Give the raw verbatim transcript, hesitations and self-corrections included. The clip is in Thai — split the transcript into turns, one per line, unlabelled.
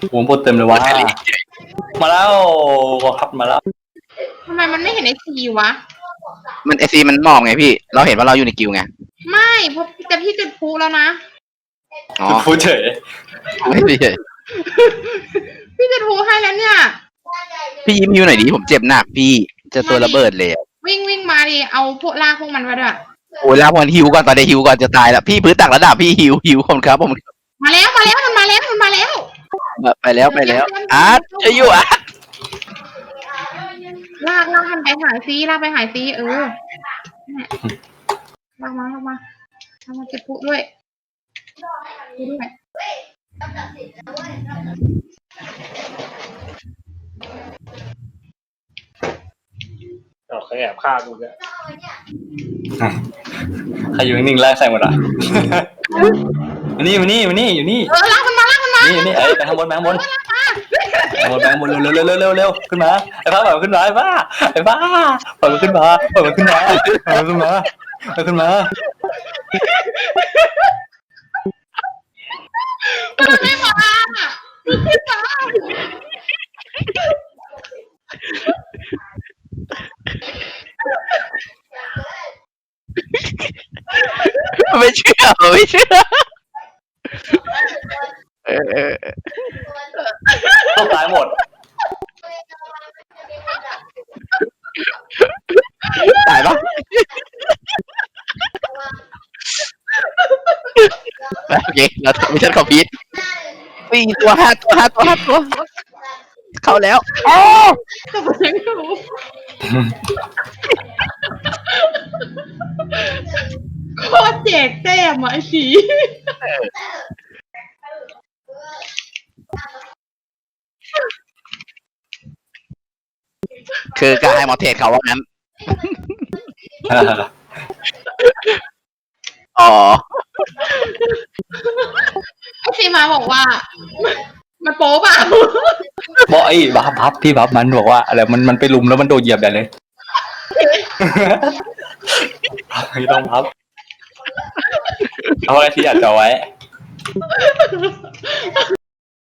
ผมพูดเต็มเลยว่ามาแล้วครับมาแล้ว
ทำไมมันไม่เห็นไอซีวะ
มันไอซีมันมองไงพี่เราเห็นว่าเราอยู่ในกิวไง
ไม่เพราะแต่พี่จุดพลุแล้วนะ
อ๋อ
พูดเฉย
ไม่เฉย
พี่จุดพลุให้แล้วเนี่ย
พี่ยิ้มอยู่หน่อยดิผมเจ็บหนักพี่เจอตัวระเบิดเลย
วิ่งวิ่งมาดิเอาพวกลากพวกมันมาด้วย
โอ้ยแล้วพอหิวก่อนตอนนี้หิวก่อนจะตายแล้วพี่พื้นตักระดับพี่หิวหิวผมครับผม
มาแล้วมาแล้วมันมาแล้วมันมาแล้ว
ไปแล้วไปแล้วอาร์ตจะอยู่อาร์ต
ลากลากมันไปหายซีลากไปหายซีเออลากมาลากมาทำมาเก็บปุ๊ด้วยด้วย
เราเคยแอบฆ่ากูเนี่ยใครอยู่นิ่งๆไล่ใส่หมดอ่ะมานี่มานี่มานี่อยู่นี่
เออลากมันมาลากมันมา
นี่นี่ไอ้ไปข้างบนไปข้างบนไปข้างบนไปข้างบนเร็วเร็วเร็วเร็วเร็วขึ้นมาไอ้บ้าปล่อยมันขึ้นมาไอ้บ้าไอ้บ้าปล่อยมันขึ้นมาปล่อยมันขึ้นมาปล่อยมันขึ้นมาปล่อยขึ้นมา
มันไม่มาขึ้นมา
ไม่เชื่อไม่เชื่อเออ
ต้องตายหมด
ตายปะโอเคเราทำมิชชั่นคอมพลีทปีตัวห้าตัวห้าตัวห้าตัวเข้าแล้วโอ้
ก็เหมือนกูโคตรเจ๊กแต้มอ่ะไอ้สี
คือการให้หมอเทศเขาว่างั้นอ๋อ
ไอ้สีมาบอกว่ามันโป๊ป่ะ
บอกไอ้บัฟบัฟพี่บัฟมันบอกว่าอะไรมันมันไปลุมแล้วมันโดนเหยียบได้เลยไม่ต้องบัฟเอาไว้ที่อยากจะไว้